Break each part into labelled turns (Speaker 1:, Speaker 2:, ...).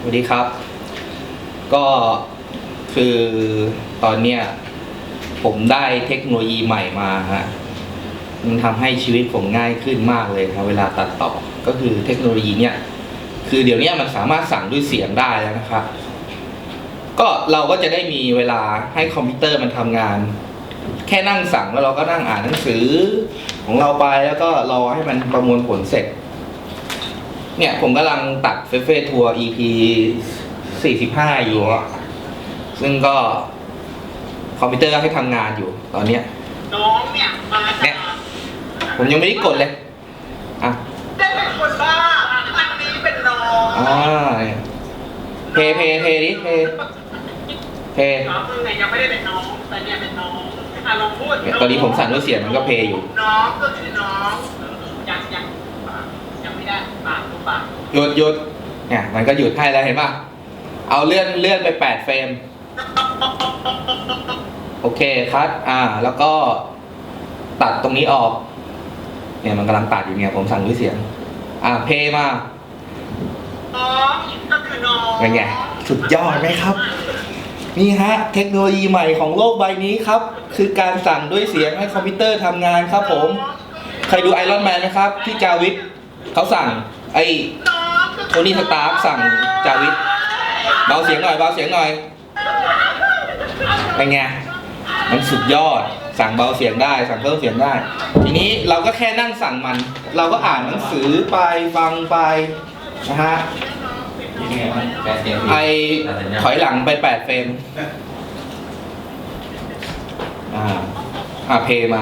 Speaker 1: วัสดีครับ ก็คือตอนเนี้ยผมได้เทคโนโลยีใหม่มาฮะมันทำให้ชีวิตผมง่ายขึ้นมากเลยครับเวลาตัดต่อก็คือเทคโนโลยีเนี่ยคือเดี๋ยวนี้มันสามารถสั่งด้วยเสียงได้แล้วนะครับก็เราก็จะได้มีเวลาให้คอมพิวเตอร์มันทำงานแค่นั่งสั่งแล้วเราก็นั่งอ่านหนังสือของเราไปแล้วก็รอให้มันประมวลผลเสร็จเนี่ยผมกำลังตัดเฟซทัวร์ EP 45อยู่อ่ะซึ่งก็คอมพิวเตอร์ให้ทำงานอยู่ตอนเนี้ย
Speaker 2: น้องเนี่ยมา
Speaker 1: เนี่ยผมยังไม่ได้กดเลยอ่ะ
Speaker 2: ได้เป็นคนบ้าอันนี้เป็นน้อง
Speaker 1: เพดิเพ
Speaker 2: น้องคือไงยังไม่ได้เป็นน้องแต่เนี่ยเป็นน้องลองพูด
Speaker 1: ตอนนี้ผมสั่นด้วยเสียงมันก็เพอยู่
Speaker 2: น้องก็คือน้องยังไม่ได้ปากตัวปาก
Speaker 1: หยุดเนี่ยมันก็หยุดให้แล้วเห็นป่ะเอาเลื่อนไป8เฟรมโอเคคัทแล้วก็ตัดตรงนี้ออกเนี่ยมันกำลังตัดอยู่เนี่ยผมสั่งด้วยเสียงเพย์มา
Speaker 2: น้องก็คือน้อง
Speaker 1: เป็นไงสุดยอดไหมครับนี่ฮะเทคโนโลยีใหม่ของโลกใบนี้ครับคือการสั่งด้วยเสียงให้คอมพิวเตอร์ทำงานครับผมใครดูไอรอนแมนนะครับที่จาวิทเขาสั่งไอโทนี่สตาร์คสั่งจาวิทเบาเสียงหน่อยเป็นไงมันสุดยอดสั่งเบาเสียงได้สั่งเพิ่มเสียงได้ทีนี้เราก็แค่นั่งสั่งมันเราก็อ่านหนังสือไปฟังไปนะฮะถอยหลังไป8เฟรมเพย์มา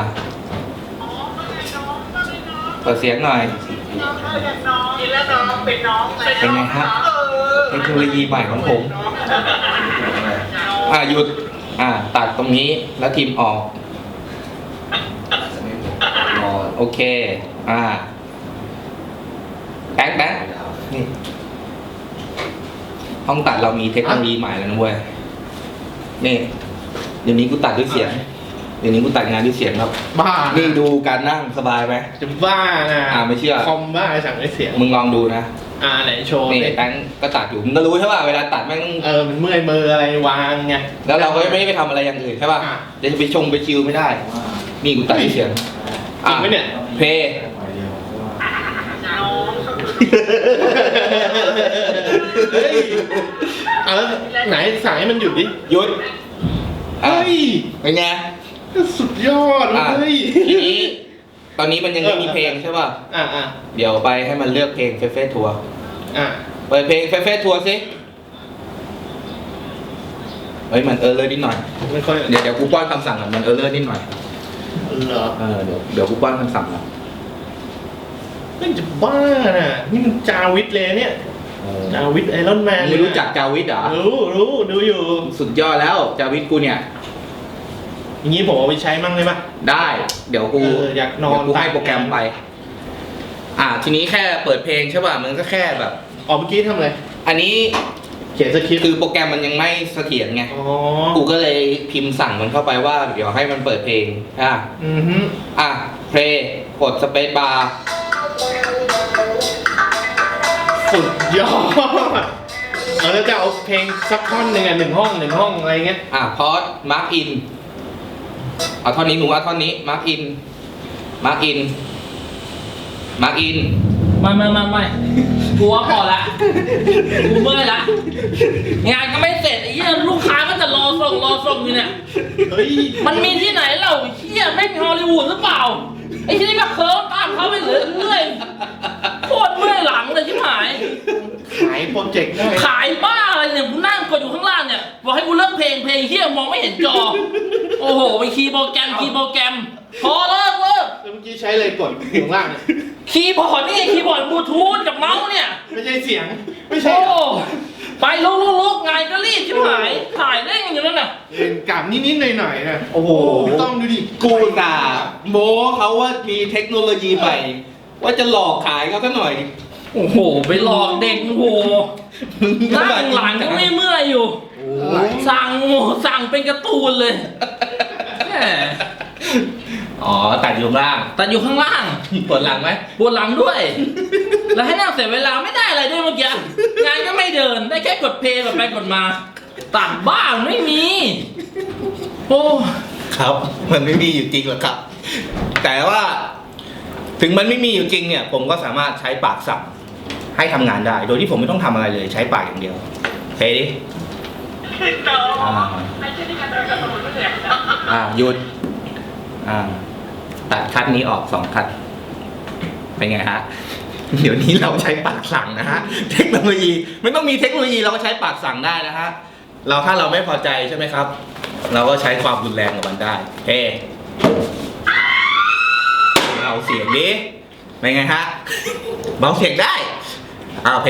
Speaker 1: เปิดเสียงหน่อยเป็นไงฮะเทคโนโลยีใหม่ของผมหยุดตัดตรงนี้แล้วทีมออกโอเคแบงค์นี่ห้องตัดเรามีเทคโนโลยีใหม่แล้วนะเว้ยนี่เดี๋ยวนี้กูตัดด้วยเสียงเดี๋ยวนี้กูตัดงานด้วยเสียงครับ
Speaker 3: บ้า
Speaker 1: นี่ดูการนั่งสบายไหม
Speaker 3: จะบ้านะ
Speaker 1: ไม่เชื่อ
Speaker 3: คอมบ้าสั่งด้วยเสียง
Speaker 1: มึงลองดูนะ
Speaker 3: ไหนโชว์
Speaker 1: นี่แบงค์ก็ตัดอยู่มึงก็รู้ใช่ป่ะเวลาตัดแม่ง
Speaker 3: มันเมื่อยมืออะไรวางไง
Speaker 1: แล้วเราก็ไม่ได้ไปทำอะไรอย่างอื่นใช่ป่ะจะไปชงไปชิลไม่ได้นี่กูตัดด้วยเสียง
Speaker 3: จริงไหมเนี่ย
Speaker 1: เพย์
Speaker 3: แล้วไหนสั่งให้มันหยุดดิ
Speaker 1: หยุด
Speaker 3: เฮ้ย
Speaker 1: เป็นไง
Speaker 3: สุดยอดเลย
Speaker 1: ทีนี้ตอนนี้มันยังไม่มีเพลงใช่ป่ะเดี๋ยวไปให้มันเลือกเพลงเฟซทัวร์เปิดเพลงเฟซทัวร์สิมันเลยนิดหน่อยเดี๋ยวกูป้อนคำสั่งก่อนมันเลยนิดหน่อย
Speaker 3: เหรอ
Speaker 1: เดี๋ยวกูป้อนคำสั่งก่อน
Speaker 3: ไม่จะบ้าน่ะนี่มันจาวิทเลยเนี่ยจาวิทไอรอนแมน
Speaker 1: ไม่รู้จักจาวิทเหรอ
Speaker 3: รู้ดูอยู่
Speaker 1: สุดยอดแล้วจาวิทกูเนี่ย
Speaker 3: อย่างนี้ผมเอาไปใช้มั่งได้ปะ
Speaker 1: ได้เดี๋ยวกู
Speaker 3: อยากนอน
Speaker 1: กูให้โปรแกรมไปทีนี้แค่เปิดเพลงใช่ป่ะมันก็แค่แบบ
Speaker 3: เมื่อกี้ทำอะไร
Speaker 1: อันนี้
Speaker 3: เขียนสคริปต์
Speaker 1: คือโปรแกรมมันยังไม่เสถียรไงกูก็เลยพิมพ์สั่งมันเข้าไปว่าเดี๋ยวให้มันเปิดเพลงเพลงกดสเปซบาร์
Speaker 3: สุดยอดแล้วจะเอาเพลงสักท่อนหนึ่ง1 ห้องอะไรเงี้ย
Speaker 1: พอสมาร์กอินเอาท่อนนี้หนูว่าท่อนนี้มาร์กอินไม่
Speaker 4: กูว่าพอละกูเมื่อยละงานก็ไม่เสร็จไอ้เหี้ยลูกค้าก็จะรอส่งอยู่เนี่ยมันมีที่ไหนเราเหี้ยแม่งฮอลลีวูดหรือเปล่าไอ้ที่นี่ก็เคิร์ฟตามเขาไปเรื่อยโคตรเมื่อยหลังเลยชิบหาย
Speaker 3: ขายโปรเจกต์ได้
Speaker 4: ขายบ้าอะไรเนี่ยกูนั่งกดอยู่ข้างล่างเนี่ยบอกให้กูเลิกเพลงเหี้ยมองไม่เห็นจอโอ้โหไปคีย์โปรแกรมพอเลิก
Speaker 3: เมื่อกี้ใช้เลยกดอยู่ข้างล่าง
Speaker 4: คีย์บอร์ดนี่คีย์บอร์ดบลูทูธกับเมาส์เนี่ย
Speaker 3: ไม่ใช่เสียงไม่ใช่
Speaker 4: ไปลุกไงก็รีบชิบหายถ่ายเล่นอยู่นั่นน่ะ
Speaker 3: กลับนิดหน่อยนะ
Speaker 1: โอ้โห
Speaker 3: ต้องดูดิ
Speaker 1: กูด่าโมเขาว่ามีเทคโนโลยีใหม่ว่าจะหลอกขายเขาซะหน่อย
Speaker 4: โอ้โหไปหลอกเด็กโอ้โหนั่งหลังก็ไม่เมื่อยอยู่สั่งเป็นการ์ตูนเลย
Speaker 1: ตัดอยู่ข้างล่าง
Speaker 4: ปวดหลังไหม
Speaker 1: ปวดหลังด้วย
Speaker 4: แล้วให้นั่งเสียเวลาไม่ได้อะไรด้วยเมื่อกี้งานก็ไม่เดินได้แค่กดเพลย์กดไปกดมาตัดบ้างไม่มีโอ้
Speaker 1: ครับ มันไม่มีอยู่จริงหรอกครับ แต่ว่าถึงมันไม่มีอยู่จริงเนี่ย ผมก็สามารถใช้ปากสั่งให้ทำงานได้ โดยที่ผมไม่ต้องทำอะไรเลยใช้ปากอย่างเดียวเฮ้ยดิ
Speaker 2: น้องไอ้ที่นี่กันเดินกับสมุนไม่เหนื่อย
Speaker 1: หยุดตัดคัดนี้ออก2คัดเป็นไงฮะ เดี๋ยวนี้เราใช้ปากสั่งนะฮะเทคโนโลยีไม่ต้องมีเทคโนโลยีเราก็ใช้ปากสั่งได้นะฮะถ้าเราไม่พอใจใช่ไหมครับ เราก็ใช้ความรุนแรงกับมันได้เฮ้เบาเสียงดิเป็นไงฮะเบาเสียงได้เพ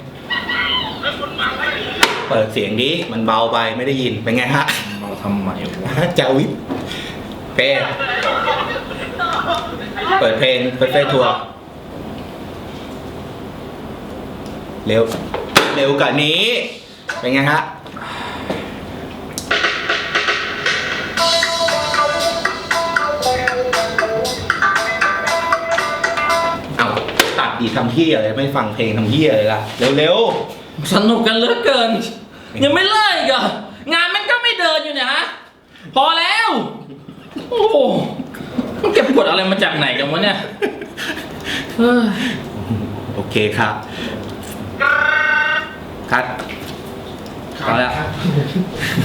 Speaker 1: เปิดเสียงดิมันเบาไปไม่ได้ยินเป็นไงฮะ
Speaker 4: มาทำไมวะ
Speaker 1: จาวิทเปิดเพลงเฟซทัวร์เร็วกว่านี้เป็นไงฮะเอาตัดดีทำเหี้ยอะไรไม่ฟังเพลงทำเหี้ยอะไรล่ะเร็ว
Speaker 4: สนุกกันเหลือเกิน ยังไม่เลิกอีกเหรองานมันก็ไม่เดินอยู่เนี่ยฮะพอแล้วโอ้โหมันเก็บกดอะไรมาจากไหนกันวะเนี่ยเฮ้ย
Speaker 1: โอเคครับคัดพอแล้ว